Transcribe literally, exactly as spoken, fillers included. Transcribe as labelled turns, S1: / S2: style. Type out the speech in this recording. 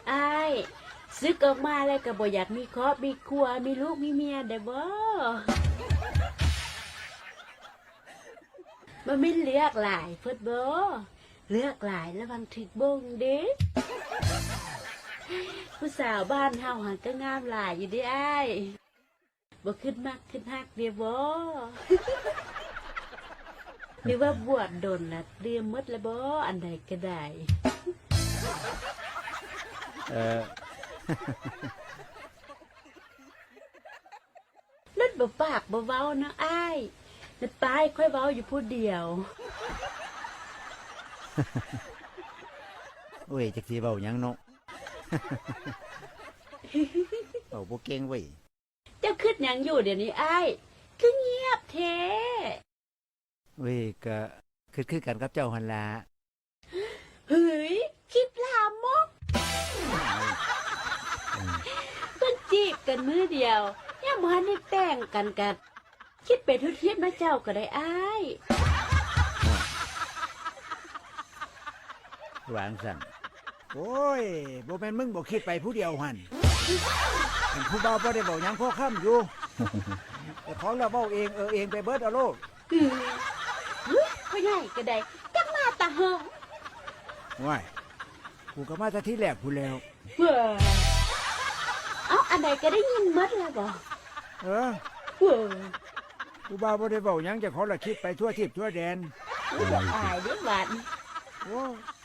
S1: อ้ายซึกออกมาแล้วก็บ่อยากมีครอบมีครัวมีลูกมีเมียได้บ่มันไม่เลือกหลายเพิ่นบ่เลือกหลายระวังถึกบงเด้ผู้สาวบ้านเฮาหันก็งามหลายอยู่เด้อ้ายบ่ขึ้นมักขึ้นฮักเด้บ่หรือว่าบวชดนน่ะเตรียมหมดแล้วบ่อันใดก็ได้
S2: เออ
S1: นั่นบ่ปากบ่เว้านะอ้ายนั่นตายค่อยเว้าอยู่ผู้เดียว
S2: โอ้ยจักสิเว้าหยังเนาะ เว้าบ่เก่งเว้ย
S1: เจ้าคิดหยังอยู่เดี๋ยวนี้อ้ายคือเงียบแท้
S2: เว้ยก็คือคือกันกับเจ้าหั่นล่ะ
S1: เฮ้ยคิดลามกเพิ่นจีบกันมื้อเดียวยังบ่ทันได้แต่งกันกันคิดไปทุกทิศนะเจ้าก็ได้อ้ายว
S2: างสั่นโอ้ยบ่แม่นมึงบ่คิดไปผู้เดียวหั่นอันผู้บ่าวบ่ได้เว้าหยังพอค่ำอยู่แต่ของเราเว้าเองเออเองไปเบิดเอาโลด
S1: อือเฮ้ยพ่อใหญ่ก็ได้จักมาตาเฮา
S2: ว้ายกูก็มาแต่ที่แรกพู้นแล้ว
S1: เว้อเอ้าอันใดก็ได้ยินหมดแล้วบ่
S2: เออ
S1: เว้อ
S2: ผู้บ่าวบ่ได้เว้าหยังเจ้าของละคิดไปทั่วทิศทั่วแดน
S1: บ่อายเด้อบัด
S2: โอ้